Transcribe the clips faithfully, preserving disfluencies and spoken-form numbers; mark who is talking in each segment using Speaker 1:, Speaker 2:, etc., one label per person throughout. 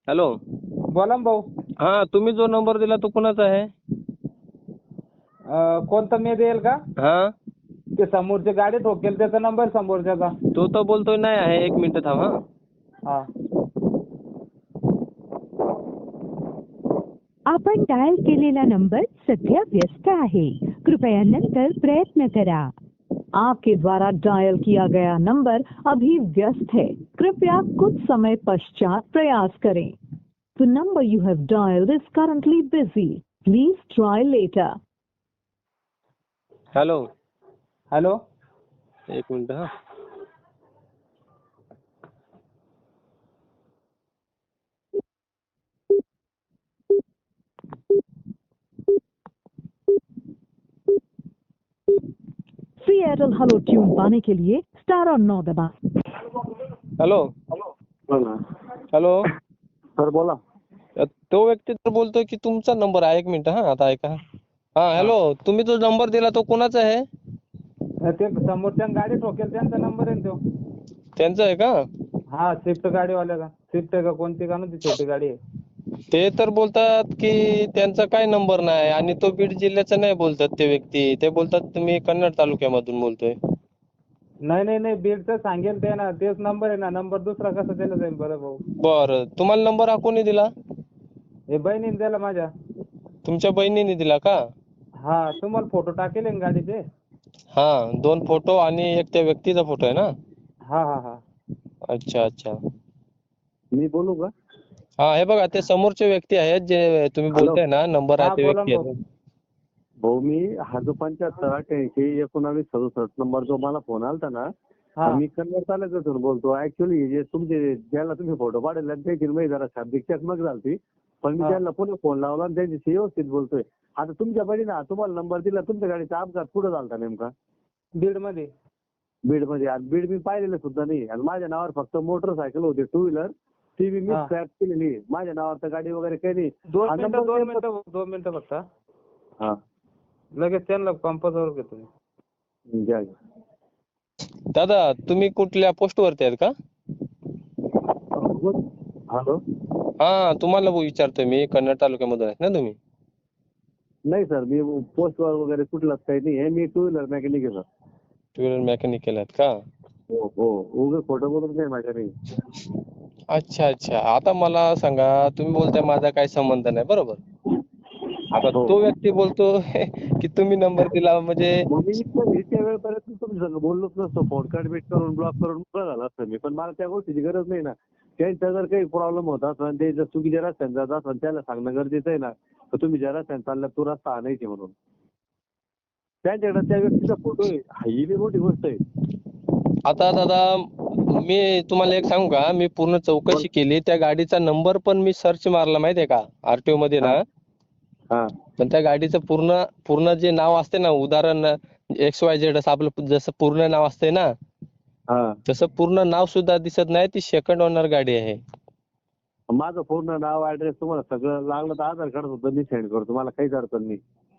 Speaker 1: Hello.
Speaker 2: बोला ना भाऊ.
Speaker 1: हा, तुम्ही जो नंबर दिला तो कुणाचा आहे?
Speaker 2: अं, कोणता मी देईल का?
Speaker 1: हा,
Speaker 2: ते समोरची गाडी ठोकेल त्याचा नंबर समोरच्याचा.
Speaker 1: तो तर बोलतोय नाही आहे. एक मिनिट थांब. हा,
Speaker 2: हा.
Speaker 3: आपण डायल केलेला नंबर सध्या व्यस्त आहे. कृपया नंतर प्रयत्न करा. आपके द्वारा डायल किया गया नंबर अभी व्यस्त है. कृपया कुछ समय पश्चात प्रयास करें. The number you have dialed is currently busy. Please try later.
Speaker 1: Hello.
Speaker 2: Hello.
Speaker 1: एक मिनिट. हा,
Speaker 3: फ्री एयरटेल हेलो ट्यून पाने के लिए स्टार और नौ दबाएं.
Speaker 1: हॅलो.
Speaker 4: बोला
Speaker 1: हॅलो.
Speaker 4: सर. बोला.
Speaker 1: तो व्यक्ती तर बोलतोय की तुमचा नंबर आहे. एक मिनिट. हा, आता ऐका. हा, हॅलो. तुम्ही जो नंबर दिला तो कोणाचा आहे?
Speaker 2: ते समोरच्या गाडी ठोकेल त्यांचा नंबर आहे ना तो.
Speaker 1: त्यांचा आहे का?
Speaker 2: हा, स्विफ्ट गाडीवाल्याचा. स्विफ्ट आहे का कोणती का ना ती छोटी गाडी आहे.
Speaker 1: ते तर बोलतात की त्यांचा काय नंबर नाही आणि तो बीड जिल्ह्याचा नाही बोलतात ते व्यक्ती. ते बोलतात तुम्ही कन्नड तालुक्यामधून बोलतोय.
Speaker 2: नाही नाही नाही बीडचं सांगेल ते ना, तेच नंबर आहे ना. नंबर दुसरा कसा दिला जाईल बरं भाऊ?
Speaker 1: बरं, तुम्हाला नंबर हा कोणी दिला?
Speaker 2: हे बहिणीने दिला माझ्या.
Speaker 1: तुमच्या बहिणीने दिला का?
Speaker 2: हा, तुम्हाला फोटो टाकेल आहे ना गाडीचे?
Speaker 1: हा, दोन फोटो आणि एक त्या व्यक्तीचा फोटो आहे ना?
Speaker 2: हा हा हा.
Speaker 1: अच्छा अच्छा.
Speaker 4: मी बोलू का?
Speaker 1: हा, हे बघा ते समोरचे व्यक्ती आहेत जे तुम्ही
Speaker 4: हॅलो.
Speaker 1: बोलताय ना, नंबर आहे
Speaker 2: हा,
Speaker 1: ते
Speaker 2: बोला ना
Speaker 1: व्यक्ती
Speaker 2: भाऊ.
Speaker 1: आहेत.
Speaker 4: भाऊ मी हा जो पंच्याहत्तर अठ्ठ्याऐंशी एकोणावीस सदुसष्ट नंबर जो मला फोन आलता ना,
Speaker 2: हा
Speaker 4: मी कन्नड तालुक्यातून बोलतो. ऍक्च्युली जे तुमचे ज्याला तुम्ही फोटो पाठवले आणि त्याची मी जरा शाब्दिक चकमक झाली, पण मी
Speaker 2: हा.
Speaker 4: त्यांना पुन्हा फोन लावला आणि त्यांच्याशी व्यवस्थित बोलतोय. आता तुमच्या बहिणीने तुम्हाला नंबर दिला, तुमच्या गाडीचा अपघात कुठं झालता नेमका?
Speaker 2: बीड मध्ये.
Speaker 4: बीडमध्ये. आणि बीड मी पाहिलेलं सुद्धा नाही. आणि माझ्या नावावर फक्त मोटरसायकल होती टू व्हीलर, ती बी मी
Speaker 2: हा.
Speaker 4: स्क्रॅप केलेली आहे. माझ्या नावावर तर गाडी वगैरे काही नाही.
Speaker 2: दोन
Speaker 4: हा
Speaker 2: मिनिटं
Speaker 4: नंबर
Speaker 2: दोन
Speaker 4: नेमका-
Speaker 2: मिनिटं दोन मिनिटं फक्त.
Speaker 4: हा,
Speaker 2: लगेच त्यांना कंपासवर घेतो मी.
Speaker 4: घ्या घ्या.
Speaker 1: दादा, तुम्ही कुठल्या पोस्ट वरती आहेत का?
Speaker 4: हॅलो.
Speaker 1: हा, तुम्हाला विचारतोय मी. कन्नड तालुक्यामधून आहेत ना तुम्ही?
Speaker 4: नाही सर, मी पोस्टवर वगैरे कुठलाच काही नाही आहे. मी टू व्हीलर मेकॅनिक आहे सर.
Speaker 1: टू व्हीलर मेकॅनिकल आहेत का?
Speaker 4: हो हो. उगाच खोटं बोलून नाही माझ्या नाही.
Speaker 1: अच्छा अच्छा. आता मला सांगा, तुम्ही बोलताय माझा काही संबंध नाही, बरोबर? आता
Speaker 4: हो.
Speaker 1: तो व्यक्ती बोलतो की तुम्ही नंबर दिला म्हणजे
Speaker 4: मग मी इतक्या इतक्या वेळपर्यंत तुमच्या संग बोललोच नसतो. फोन कट करून ब्लॉक करून मोकळा झाला असतं मी. पण मला त्या गोष्टीची गरज नाही ना. त्यांचा जर काही प्रॉब्लेम होत असेल, ते जर चुकीच्या रस्त्याने जात असेल, त्याला सांगणं गरजेचं आहे ना. तर तुम्ही ज्या रस्त्याने चालला तो रस्ता आणायचे म्हणून. त्यांच्याकडे त्या व्यक्तीचा फोटो आहे, ही बी मोठी गोष्ट आहे.
Speaker 1: आता दादा, मी तुम्हाला एक सांगू का? मी पूर्ण चौकशी केली. त्या गाडीचा नंबर पण मी सर्च मारला, माहितीये का? आरटीओ मध्ये
Speaker 4: हा
Speaker 1: ना.
Speaker 4: हा
Speaker 1: पण त्या गाडीचं पूर्ण पूर्ण जे नाव असते ना, उदाहरण एक्स वाय झेड असं आपलं जसं पूर्ण नाव असते ना,
Speaker 4: हा.
Speaker 1: तसं पूर्ण नाव सुद्धा दिसत नाही. ती सेकंड ओनर गाडी आहे.
Speaker 4: माझं पूर्ण नाव ऍड्रेस तुम्हाला सगळं लागलं तर आधार कार्ड सुद्धा मी सेंड करतो. मला काहीच अडचण नाही.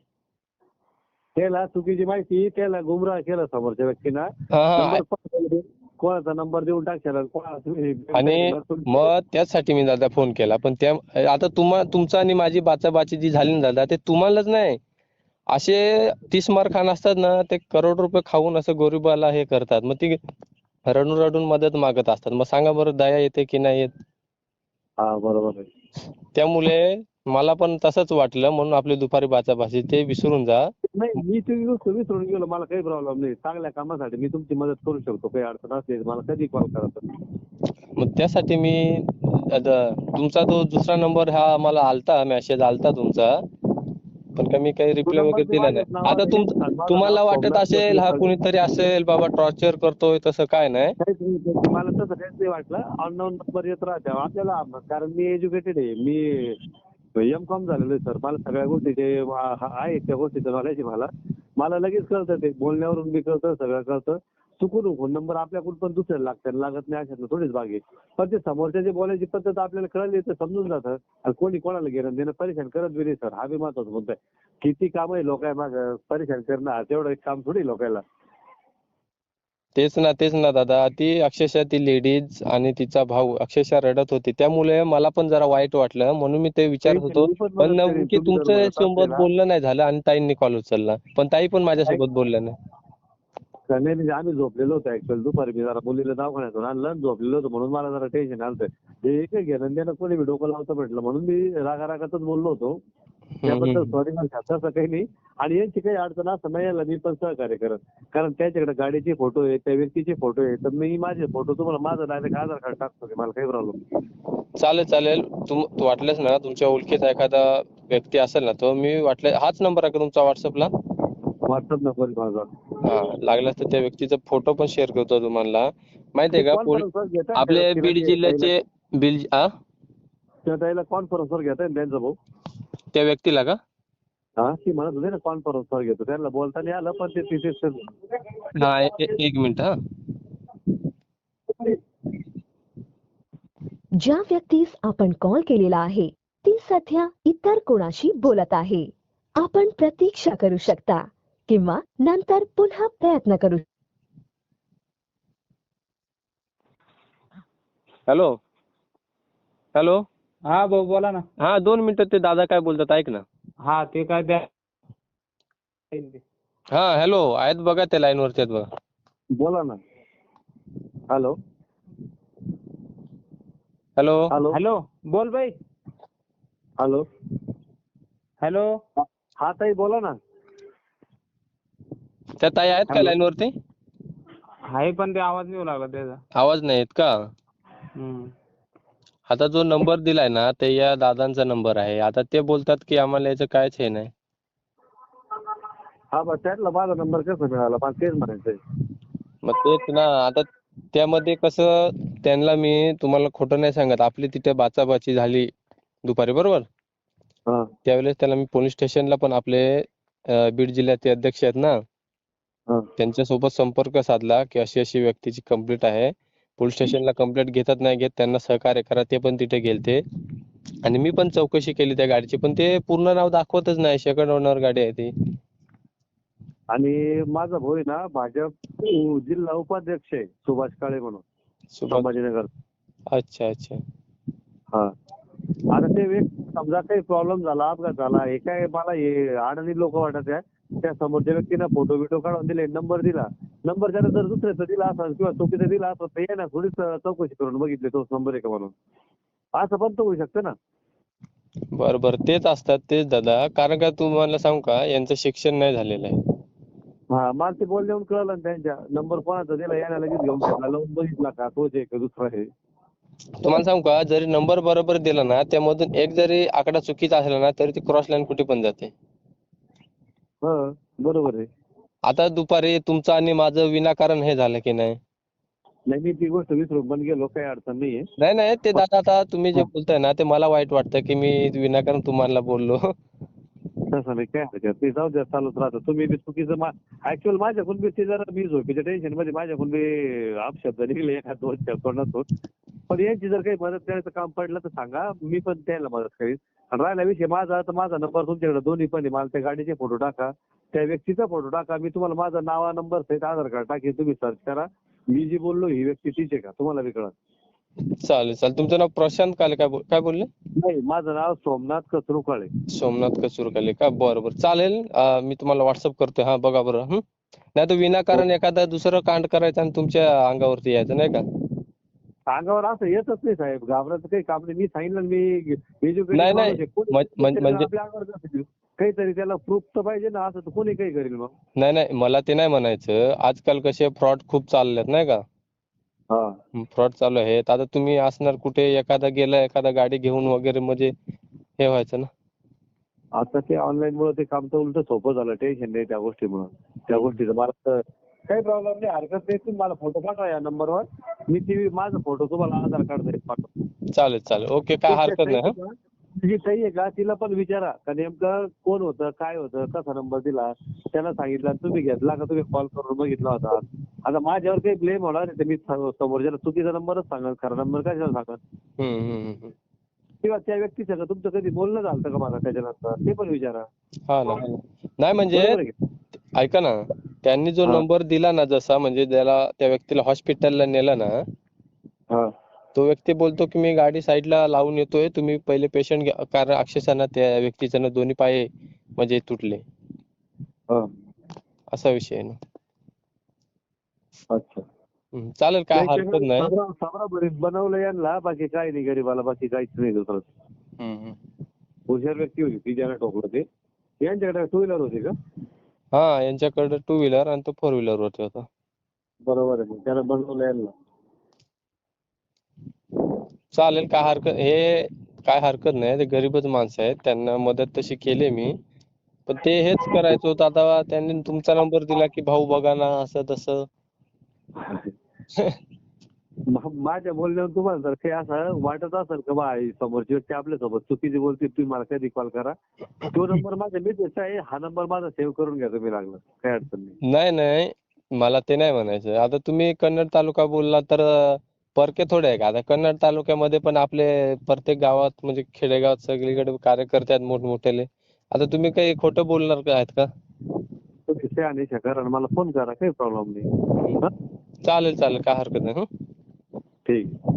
Speaker 4: त्याला चुकीची माहिती, त्याला गुमराह केलं समोरच्या व्यक्तीनं.
Speaker 1: हा हा.
Speaker 4: नंबर कोणाचा नंबर देऊन टाकशाल आणि कोणाला तुम्ही
Speaker 1: आणि मग त्याचसाठी मी दादा फोन केला. पण त्या आता तुम्हा तुमचा आणि माझी बाचाबाची जी झाली ना दादा, ते तुम्हालाच नाही, असे तीस मार खान असतात ना, ते करोड रुपये खाऊन असं गरिबाला हे करतात. मग ती रडून रडून मदत मागत असतात. मग सांगा बरं, दया येते की नाही येत?
Speaker 4: हा, बरोबर आहे.
Speaker 1: त्यामुळे मला पण तसंच वाटलं, म्हणून आपली दुपारी बाचाबाची ते विसरून जा.
Speaker 4: नाही, मी ती गोष्ट विसरून गेलो. मला काही प्रॉब्लेम नाही. चांगल्या कामासाठी मी तुमची मदत करू शकतो. काही अडचण असली तर मला कधी कॉल करा सर.
Speaker 1: मग त्यासाठी मी आता तुमचा तो दुसरा नंबर हा मला आलता, मेसेज आलता तुमचा, पण का मी काही
Speaker 4: तो
Speaker 1: रिप्लाय
Speaker 4: नंबर
Speaker 1: वगैरे
Speaker 4: बी
Speaker 1: दिला नाही.
Speaker 4: माझ्याच नावावर
Speaker 1: आता
Speaker 4: आहे
Speaker 1: तुम
Speaker 4: आणि माझं नाव
Speaker 1: तुम्हाला वाटत
Speaker 4: सोमनाथ
Speaker 1: असेल हा
Speaker 4: जोशी.
Speaker 1: कुणीतरी असेल बाबा, टॉर्चर करतोय, तसं काय नाही.
Speaker 4: काहीच नाही. मला तसं काहीच नाही वाटलं. अननोन नंबर येत राहते आपल्याला, कारण मी एज्युकेटेड आहे. मी एम कॉम झालेलो आहे सर. मला सगळ्या गोष्टीचे आहे, त्या गोष्टीचं नॉलेज आहे मला. मला लगेच कळतं, ते बोलण्यावरून बी कळतं, सगळं कळतं. चुकून फोन नंबर आपल्याकडून पण दुसऱ्याला लागतात, लागत नाही अशातलं थोडीच भाग आहे. पण ते समोरच्याची बोलायची पद्धत आपल्याला कळली तर समजून जातं. आणि कोणी कोणाला घेणं देणं परेशान करत बी नाही सर. हा बी महत्वाचा मुद्दा आहे. किती काम आहे लोक आहे माझं, परेशान करणं तेवढं एक काम थोडी लोकांना.
Speaker 1: तेच ना तेच ना दादा, ती अक्षरशः ती लेडीज आणि तिचा भाऊ अक्षरशः रडत होती, त्यामुळे मला पण जरा वाईट वाटलं, म्हणून मी ते विचारत
Speaker 4: टेन्शन
Speaker 1: होतो.
Speaker 4: मी पण
Speaker 1: पण
Speaker 4: मदत करेन
Speaker 1: नेमकी
Speaker 4: तुम्ही जर
Speaker 1: तुमच्या
Speaker 4: म्हणत असले
Speaker 1: सोबत
Speaker 4: ना.
Speaker 1: बोलणं नाही झालं आणि ताईंनी कॉल उचलला, पण ताई पण माझ्यासोबत बोलल्या नाही.
Speaker 4: का नाही म्हणजे आम्ही झोपलेलो होतो ऍक्च्युअली दुपारी मी जरा मुलीला दवाखान्यातून आणलं आणि झोपलेलो होतो म्हणून मला जरा टेन्शन आलं होतं. हे एक घेणं देणं कोणी बी डोकं लावतं म्हटलं म्हणून मी रागा रागातच बोललो होतो. त्याबद्दल
Speaker 1: हम्म.
Speaker 4: सॉरी मला तसं काही नाही. आणि यांची काही अडचण असं नाही यायला मी पण सहकार्य करत, कारण त्याच्याकडे गाडीचे फोटो आहेत, त्या व्यक्तीचे फोटो आहेत, तर मी माझे फोटो तुम्हाला माझं डायरेक्ट आधार कार्ड टाकतो, मला काही प्रॉब्लेम.
Speaker 1: चालेल चालेल, तुम तू वाटलंच ना तुमच्या ओळखीचा एखादा व्यक्ती असेल ना, तो मी वाटलं हाच नंबर आहे का तुमचा व्हॉट्सअपला?
Speaker 4: व्हॉट्सअप नंबर माझा.
Speaker 1: हा, लागल्यास तर त्या व्यक्तीचा फोटो पण शेअर करतो तुम्हाला. माहितीये का, पोल-
Speaker 4: कॉन्फरन्सवर घेता
Speaker 1: आपले बीड जिल्ह्याचे बीड आ
Speaker 4: त्याला कॉन्फरन्सवर घेताय ना त्यांचा भाऊ.
Speaker 1: त्या व्यक्तीला का?
Speaker 4: हा ती म्हणत होती ना कॉन्फरन्सवर घेतो, त्यांना बोलता नाही आलं पण ते तिथे.
Speaker 1: हा ए- ए- एक मिनिट हा.
Speaker 5: ज्या व्यक्तीस आपण कॉल केलेला आहे ती सध्या इतर कोणाशी बोलत आहे. आपण प्रतीक्षा करू शकता किंवा नंतर पुन्हा प्रयत्न करू.
Speaker 1: हॅलो हॅलो
Speaker 2: हा भाऊ बोला ना.
Speaker 1: हा, दोन मिनिटं ते दादा काय बोलतात ऐक ना.
Speaker 2: हा ते काय द्या.
Speaker 1: हा हॅलो, आहेत बघा ते लाईन वरती आहेत बघा.
Speaker 4: बोला ना. हॅलो
Speaker 1: हॅलो
Speaker 4: हॅलो
Speaker 2: हॅलो बोल बाई.
Speaker 4: हॅलो
Speaker 2: हॅलो
Speaker 4: हा ताई बोला ना.
Speaker 1: त्या ताई आहेत का
Speaker 2: हॅलो.
Speaker 1: लाईन वरती?
Speaker 2: आहे पण ते आवाज नाही येऊ लागला त्याचा.
Speaker 1: आवाज नाही येत का?
Speaker 2: हम्म.
Speaker 1: आता जो नंबर दिलाय ना ते या दादांचा नंबर आहे. आता ते बोलतात की आम्हाला याचं कायच हे नाही.
Speaker 4: हा बस त्यातला माझा नंबर कसा मिळाला मला तेच म्हणायचंय.
Speaker 1: मग तेच ना, आता त्यामध्ये कसं त्यांना मी तुम्हाला खोटं नाही सांगत, आपली तिथे बाचाबाची झाली दुपारी बरोबर.
Speaker 4: हा
Speaker 1: त्यावेळेस त्याला मी पोलीस स्टेशनला पण आपले अं, बीड जिल्ह्याचे अध्यक्ष आहेत ना,
Speaker 4: हा
Speaker 1: त्यांच्यासोबत संपर्क साधला की अशी अशी व्यक्तीची कंप्लेंट आहे. पोलीस स्टेशनला कंप्लेंट घेतात नाही घेत, त्यांना सहकार्य करा. ते पण तिथे गेलते आणि मी पण चौकशी केली त्या गाडीची, पण ते पूर्ण नाव दाखवतच नाही. सेकंड ओनर गाडी आहे ती.
Speaker 4: आणि माझा भाऊ आहे ना भाजप जिल्हा उपाध्यक्ष आहे सुभाष काळे म्हणून
Speaker 1: सुभाष.
Speaker 4: संभाजीनगर.
Speaker 1: अच्छा अच्छा.
Speaker 4: हा आता ते व्यक्ती समजा काही प्रॉब्लेम झाला, अपघात झाला, हे काय मला हे अडाणी लोक वाटत आहे. त्या समोरच्या व्यक्तीनं फोटो बिटो काढून दिले, नंबर दिला. नंबर त्याला जर दुसऱ्याचा दिला असेल किंवा चुकीचा दिला असेल तर ये ना थोडीच चौकशी करून बघितली तोच नंबर आहे का म्हणून. असं पण तर होऊ शकतं ना.
Speaker 1: बरं बरं, तेच असतात तेच दादा. कारण का तुम्हाला सांगू का, यांचं शिक्षण नाही झालेलं आहे.
Speaker 4: हा मला ते बोल देऊन कळलं ना त्यांच्या नंबर कोणाचा दिला यायला लगेच घेऊन घेतला, लावून बघितला का तोच आहे का दुसरा आहे.
Speaker 1: तुम्हाला सांगू का, जरी नंबर बरोबर दिला ना, त्यामधून एक जरी आकडा चुकीचा असला ना तरी ती क्रॉस लाईन कुठे पण जाते.
Speaker 4: हा बरोबर आहे.
Speaker 1: आता दुपारी तुमचं आणि माझं विनाकारण हे झालं की नाही.
Speaker 4: नाही मी ती गोष्ट विसरून पण गेलो, काही अडचण नाहीये.
Speaker 1: नाही नाही, ते दादा आता तुम्ही जे बोलताय ना ते मला वाईट वाटतं की मी विनाकारण तुम्हाला बोललो.
Speaker 4: तसं नाही काय हरकत नाही, जाऊ द्या चालूच राहतं. तुम्ही बी चुकीचं ऍक्च्युअल माझ्याकडून बी ते जरा मी झोपेच्या टेन्शन मध्ये माझ्याकडून बी अपशब्द निघले एखाद दोन शब्दातून. पण यांची जर काही मदत करायचं काम पडलं तर सांगा, मी पण त्याला मदत करीन. आणि राहिला विषय माझा तर माझा नंबर तुमच्याकडे दोन्ही पण आहे. मला त्या गाडीचे फोटो टाका, त्या व्यक्तीचा फोटो टाका. मी तुम्हाला माझा नावा नंबर सहित आधार कार्ड टाकेन, तुम्ही सर्च करा. मी जी बोललो ही व्यक्ती तीच आहे का तुम्हाला बी कळत.
Speaker 1: चालेल चालेल. तुमचं नाव प्रशांत काले काय बोल काय बोलले?
Speaker 4: नाही माझं नाव सोमनाथ कचरुकाळे.
Speaker 1: सोमनाथ कचुरकाले का? बरं बरं चालेल. अं, मी तुम्हाला व्हॉट्सअप करतोय. हा बघा बरं. हं. नाही तर विनाकारण एखादा दुसरं कांड करायचं आणि तुमच्या अंगावरती यायचं नाही का.
Speaker 4: अंगावर असं येतच नाही साहेब, घाबरायचं काही काम नाही. मी सांगितलं ना, मी एज्युकेटेड
Speaker 1: नाही, नाही.
Speaker 4: माणूस आहे. कोणी
Speaker 1: म्हण- म्हण- म्हणजे
Speaker 4: आपल्या अंगावर कसं देऊ? काहीतरी त्याला प्रूफ तर पाहिजे ना, असं तर कोणी काही करेल मग.
Speaker 1: नाही नाही, मला ते नाही म्हणायचं. आजकाल कसे फ्रॉड खूप चाललेत नाही का.
Speaker 4: हा
Speaker 1: फ्रॉड चालू आहेत. आता तुम्ही असणार कुठे एखादा गेला एखादा गाडी घेऊन वगैरे म्हणजे हे व्हायचं ना.
Speaker 4: आता ते ऑनलाईन मुळे ते काम तर उलट सोपं झालं, टेन्शन नाही त्या गोष्टीमुळे. त्या गोष्टीचं मला तर काही प्रॉब्लेम नाही, हरकत नाही. तुम्ही मला फोटो पाठवा या नंबरवर, मी ती माझा फोटो तुम्हाला आधार कार्ड सहित पाठवतो.
Speaker 1: चालेल चालेल. ओके, काय हरकत नाही. हं.
Speaker 4: जी ताई आहे का तिला पण विचारा का नेमकं कोण होतं, काय होतं, कसा नंबर दिला, त्याला सांगितलं तुम्ही घेतला का तुम्ही कॉल करून बघितला होता. आता माझ्यावर काही ब्लेम होणार नाही तर मी समोरच्याला चुकीचा नंबरच सांगेल, खरा नंबर कशाला सांगेल.
Speaker 1: हम्म, हम्म, हम्म.
Speaker 4: किंवा त्या व्यक्तीचं तुमचं कधी बोलणं झालं का मला त्याच्यानंतर ते पण विचारा.
Speaker 1: हा ना. नाही म्हणजे
Speaker 4: बरोबर आहे की?
Speaker 1: ऐका ना, त्यांनी जो
Speaker 4: हा.
Speaker 1: नंबर दिला ना, जसा म्हणजे त्याला त्या व्यक्तीला हॉस्पिटलला नेलं ना,
Speaker 4: हा
Speaker 1: तो व्यक्ती बोलतो की मी गाडी साईडला लावून येतोय, तुम्ही पहिले पेशंट घ्या. कारण अक्षरशः ना त्या व्यक्तीचे ना दोन्ही पाय म्हणजे तुटले.
Speaker 4: हा
Speaker 1: असा विषय आहे ना.
Speaker 4: अच्छा.
Speaker 1: हम्म, चालेल, काय
Speaker 4: नाही,
Speaker 1: हरकत
Speaker 4: त्यानं
Speaker 1: नाही.
Speaker 4: साबरा साबरा बरीच बनवलं यांना, बाकी काही नाही गरीबाला, बाकी काहीच नाही दुसरं.
Speaker 1: हम्म, हम्म.
Speaker 4: हुशार व्यक्ती होती ती ज्याला ठोकलं ते. यांच्याकडे टू व्हीलर होती का?
Speaker 1: हा, यांच्याकडे टू व्हीलर आणि तो फोर व्हीलर वरती होता.
Speaker 4: बरोबर आहे, त्याला बनवलं यांना.
Speaker 1: चालेल, काय हरकत हे काय हरकत नाही. ते गरीबच माणसं आहेत, त्यांना मदत तशी केली मी. पण ते हेच करायचं होतं. आता त्यांनी तुमचा नंबर दिला की भाऊ बघा ना असं तसं.
Speaker 4: मा- माझ्या बोलण्यावर तुम्हाला जर काही असं वाटत असेल का बा ही समोरची व्यक्ती आपल्यासोबत चुकीची बोलते, तुम्ही मला कधी कॉल करा. तो नंबर माझा मिसेसचा आहे, हा नंबर माझा सेव्ह करून घ्या तुम्ही लागला, काही अडचण नाही.
Speaker 1: नाही नाही, मला ते नाही म्हणायचं. आता तुम्ही कन्नड तालुका बोलला तर अं, परके थोडे आहे का? आता कन्नड तालुक्यामध्ये पण आपले प्रत्येक गावात म्हणजे खेडेगावात सगळीकडे कार्यकर्ते आहेत मोठमोठ्याले. आता तुम्ही काही खोटं बोलणार का आहेत का?
Speaker 4: तुम्ही शहाणे करा आणि मला फोन करा, काही प्रॉब्लेम नाही. हा?
Speaker 1: चालेल चालेल, काय हरकत नाही. हं.
Speaker 4: ठीक आहे.